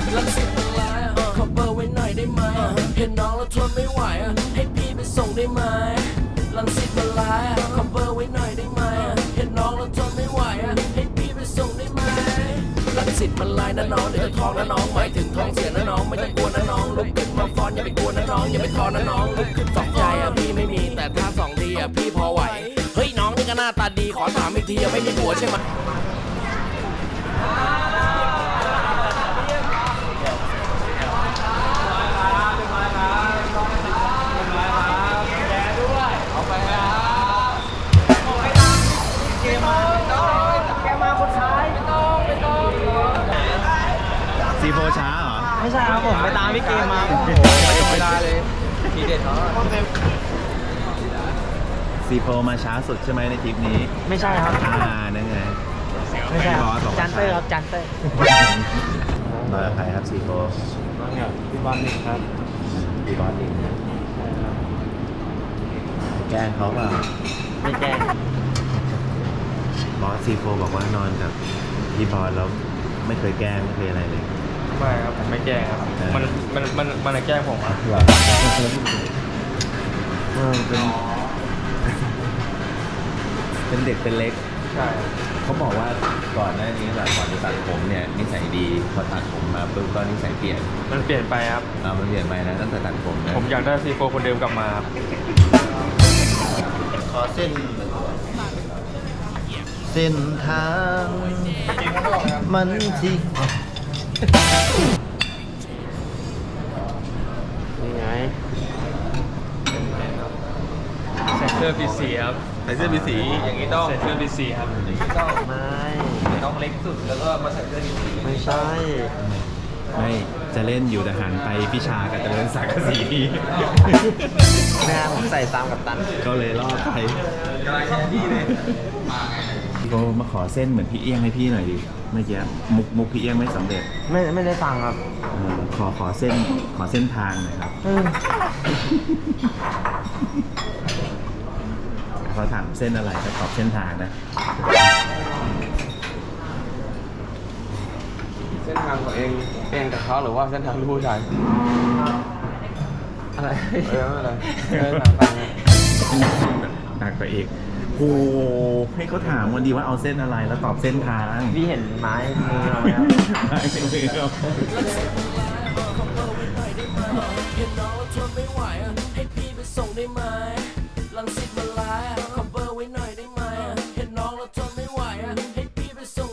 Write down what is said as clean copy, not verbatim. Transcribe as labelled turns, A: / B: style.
A: ลังสิตมันร้ายขอเบอร์ไว้หน่อยได้ไหมเห็นน้องแล้วทนไม่ไหวให้พี่ไปส่งได้ไหมลังสิตมันร้ายขอเบอร์ไว้หน่อยได้ไหมเห็นน้องแล้วทนไม่ไหวให้พี่ไปส่งได้ไหมลังสิตมันร้ายนะน้องเดี๋ยวจะท้องนะน้องหมายถึงท้องเสียนะน้องไม่ต้องกลัวนะน้องลุกขึ้นมาฟ้อนอย่าไปกลัวนะน้องอย่าไปท้อนะน้องลุกขึ้นสองใจพี่ไม่มีแต่ถ้าสองทีพี่พอไหวเฮ้ยน้องนี่ก็หน้าตาดีขอถามอีกทีไม่มีผัวใช่ไหม
B: ซีโฟช้าเหรอ
C: ไม่ใช่ครับผมไปตามพี่เกมมาโอ้โหเวลาเลยทีเด็ดเขา
B: ซีโฟมาช้าสุดใช่ไหมในทริปนี้
C: ไม่ใช่ครับ
B: นั่นไง
C: ไม่ใช่
B: บอสบอกว่า
C: จันเตอร์ครับจันเตอร์
B: มากับใครครับซีโฟ
C: พี่บอลนี่ครับ
B: พี่บอสเองแกล้งเขาเปล่า
C: ไม่แกล้ง
B: บอสซีโฟบอกว่านอนกับพี่บอสแล้วไม่เคยแกล้งไม่เคยอะไรเลย
D: ไม่ครับผมไม่แกล้งครับมันแกล้งผมครับ
B: เป็นเด็กเป็นเล็ก
D: ใช่
B: เขาบอกว่าก่อนหน้านี้แบบก่อนจะตัดผมเนี่ยนิสัยดีพอตัดผมมาปุ๊บก็นิสัยเปลี่ยน
D: มันเปลี่ยนไปครับ
B: มันเปลี่ยนไปนะตั้งแต่ตัดผมนะ
D: ผมอยากได้ซีโฟคนเดิมกลับมาครับ
B: ขอเส้นทางมันที่
C: นี่ไง
D: ใส่เสื้อปีสีครับ
B: ใส่เสื้อมีสีอย่างนี้ต้อง
D: ใส่เสื้อปีสีครับ
C: ไม่
D: ต้องเล็กสุดแล้วก็มาใส่เสื้อปีสี
C: ไม่ใช่
B: ไม่จะเล่นอยู่แต่หันไปพี่ชากับเจริญศักดิ์สี
C: แม่ผมใส่ตามกับตัน
B: ก็เลยรอดไปกำลังแค่ดีเลยพี่โกมาขอเส้นเหมือนพี่เอี้ยงให้พี่หน่อยดิเมื่อกี้มุกพี่เอี้ยงไม่สำเร็จ
C: ไม่ได้ฟังครับ
B: ขอเส้นทางหน่อยครับเขาถามเส้นอะไรก็ตอบเส้นทางนะ
D: เส้นทางของเองกับเขาหรือว่าเส้นทางผู้ชาย
C: อะไร
D: อะไรทางฟัง
B: หนักไปอีกโอ้ให้เขาถามวันดีว่าเอาเส้นอะไรแล้วตอบเส้นทาง
C: พี่เห็นไม้มือเราไหมครับ
B: ไม่เป็นไรครับ
A: เห็นน้องแล้วทนไม่ไหวให้พี่ไปส่งได้ไหมลังสิต